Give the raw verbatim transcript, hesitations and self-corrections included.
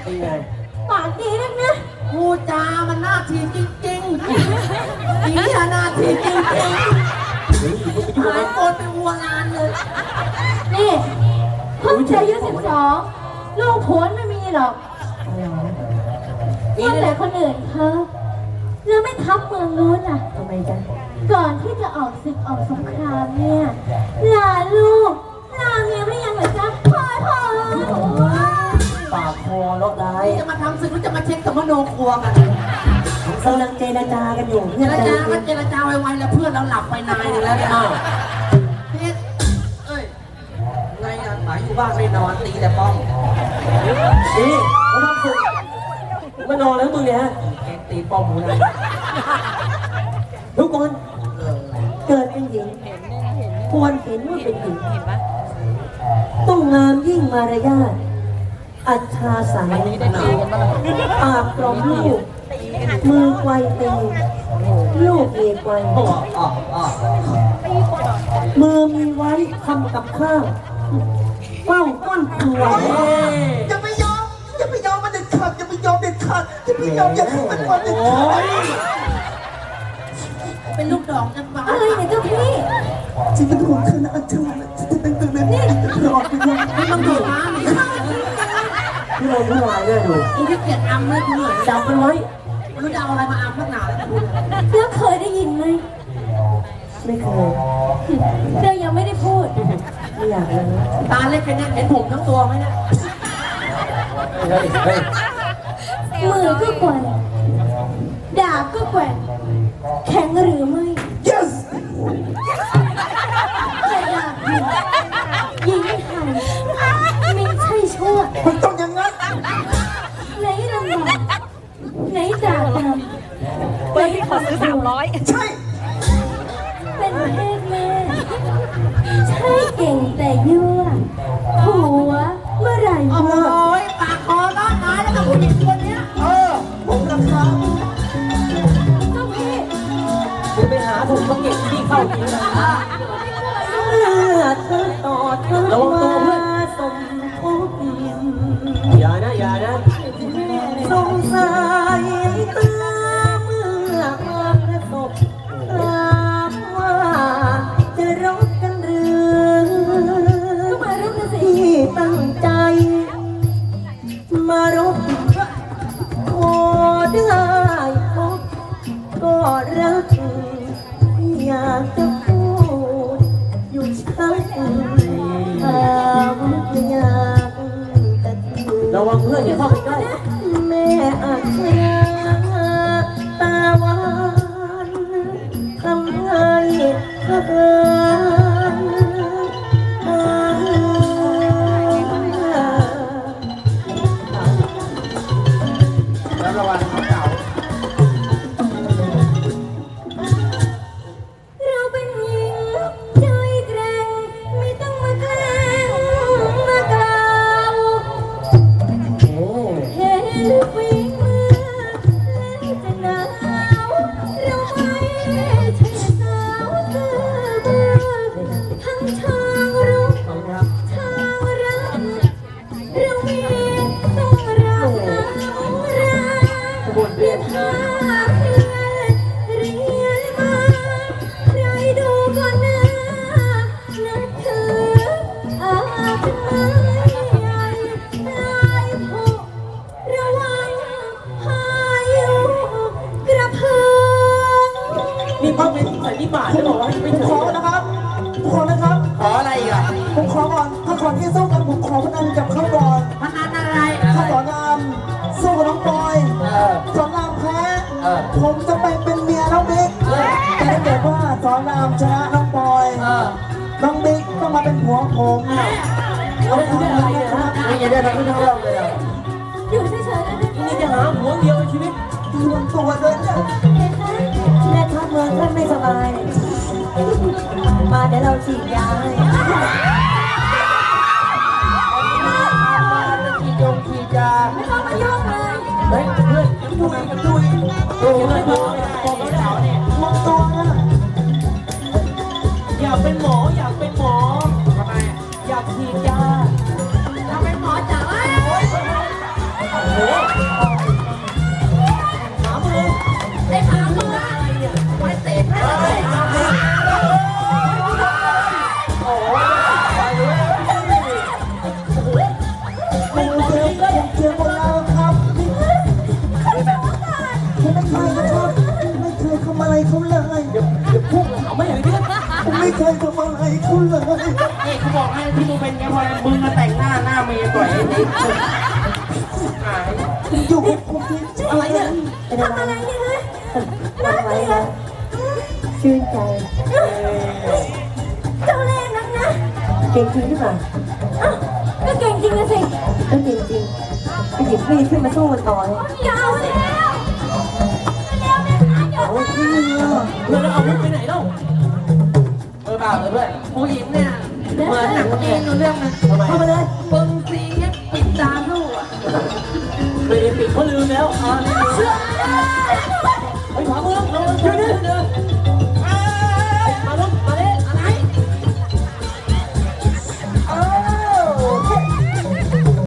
เป็นไงปากดีนักนะพูดจามันน่าทีจริงๆอีหน่าทีจริงๆหายโกรธเป็นวัวลานเลยนี่เพิ่งจะอายุสิบสองลูกผัวไม่มีหรอกว่าแต่คนอื่นเขาแล้วไม่ทับเมืองนู้นอ่ะทำไมจ๊ะก่อนที่จะออกศึกออกสงครามเนี่ยลาลูกลาเมียไม่ยังเหรอจ๊ะพ่อพ่อปากคอเลาะได้จะมาทำศึกหรือจะมาเช็คสมโนครัวกันกำลังเจรจากันอยู่เจรจากันเจรจาไวๆแล้วเพื่อนเราหลับไปนานนึงแล้วเนี่ยเพชรเอ้ยไงอ่ะหมายอยู่บ้านไม่นอนตีแต่ป้องนี่มาทำศึกมานอนแล้วมึงเนี่ยตีป้อมหูนะทุกคนเกิดเป็นหญิงควรเห็นว่าเป็นหญิงต้องงามยิ่งมารยาทอัจฉาสายปากกลมลูกมือไกวตีลูกเมียไกวมือมีไว้ทำกับข้าวเฝ้าต้นครัวอย่าไปยอมอย่าไปยอมมันเด็ดขาดอย่าไปยอมเด็ดขาดอย่าไปยอมอย่าให้มันมันเด็ดขาดเป็นลูกดอกกันบ้าอะไรเนี่ยเจ้าพี่จิตเป็นห่วงเธอนะอาจารย์จะเป็นตัวเล็กรอดไปยังไม่ต้องดูม้าเลยที่เราผู้ชายเนี่ยดูกูที่เกียดอัมเลยกูเหนื่อยจับมันไว้ไม่รู้จะเอาอะไรมาอัมนักหนาแล้วนะแล้วเคยได้ยินไหมไม่เคยเรายังไม่ได้พูดไม่อยากเลยตาเล็กแค่นี้เห็นผมทั้งตัวไหมเนี่ยมือก็แกว่งดาบก็แกว่งแข็งหรือไม่ yes แต่ดาบยิงไทยไม่ใช่ชั่วมันต้องอย่างนั้นไหนลำบากไหนดาบดำไปขอซื้อสามร้อยใช่เป็นเพศแม่ใช่เก่งแต่ยั่วผัวเมื่อไหร่โอ้ยปากคอร้อนมาแล้วกับผู้หญิงคนนี้เออผมราคาเจ้าพี่คุณไปหาถุงมาเก็บที่เข้ากินนะเมื่อเธอต่อเธอมาสมทบอย่านะอย่านะสงสัยเตือเมื่อมาประสบถามว่าจะรบกันหรือก็มารบกันสิที่ตั้งใจมารบขอได้พบก็รักอยากจะพูดอยู่ชัดถามอยากแต่ระวังเพื่อนอย่าเข้าไปใกล้แม่อาจจะตาหวานทำให้เธอแล้วระวังเขาเก่าเราเป็นหญิงใจแกร่งไม่ต้องมาแกล้งมากล่าวเห็นฝีมือแล้วจะหนาวเราไม่ใช่สาวซื่อบื้อทั้งทางรุกทางรับเรามีต้องรักเราเรียนหาเพื่อนเรียนมาใครดูก่อนนะนับถืออาจไม่ใหญ่ลายผูระวังพายุกระเพื่อมนี่พ่อเป็นสันนิบาตจะบอกว่าไม่ผมขอนะครับผมขอนะครับขออะไรอีกอ่ะผมขอก่อนถ้าก่อนที่สู้กันผมขอพนันกับเขาก่อนพนันอะไรถ้าสอนรามสู้กับน้องบอยสอนรามแพ้ผมจะไปเป็นเมียน้องบิ๊กแต่ถ้าเกิดว่าสอนรามชนะน้องบอยน้องบิ๊กต้องมาเป็นผัวผมเอาไม่ได้อะไรนะฮะไม่ได้ทำให้ทั้งเราเลยอ่ะอยู่เฉยๆนะนี่จะหาหัวเดียวในชีวิตรวมตัวเลยเนี่ยแม่ทัพเมืองท่านไม่สบายมาเดี๋ยวเราฉีดยาให้ฉีดยงฉีดยาไม่ต้องมายุ่งเลยเฮ้ยเพื่อนดุยดุยโอ้ยพอพอแล้วเนี่ยรวมตัวนะอยากเป็นหมออยากเป็นหมอทำไมอยากฉีดยาเราเป็นหมอจ๋าโหสามมือได้พามาไปเตะให้เลยโอ้ยไปเลยโอ้เจอเจอคนเราครับผมไม่เคยนะครับไม่เคยทำอะไรเขาเลยเดี๋ยวเดี๋ยวพุ่งเอาไม่เห็นเลยผมไม่เคยทำอะไรเขาเลยนี่เขาบอกให้ที่มึงเป็นแค่พอมึงมาแต่งหน้าหน้าเมย์ต่อยไอ้นิดหายอยู่กับผมที่อะไรเนี่ยทำอะไรเนี่ยฮะทำอะไรนะชื่นใจเจ้าเล่ห์นักนะเก่งจริงหรือเปล่าอ้าวก็เก่งจริงนะสิก็เก่งจริงไปหยิบมีดขึ้นมาสู้มันต่อเลยอย่าเอาแล้วเร็วเนี่ยนะอย่าโอ้ยพี่เพื่อนเราเอาลูกไปไหนเล่าเออเปล่าเลยเพื่อนผู้หญิงเนี่ยเหมือนหนังจีนเรื่องนึงเข้ามาเลยปึงซีเนี่ยปิดตาลูกอ่ะไปปิดเขาลืมแล้วอ๋อไปขวามือเราเดินเดิน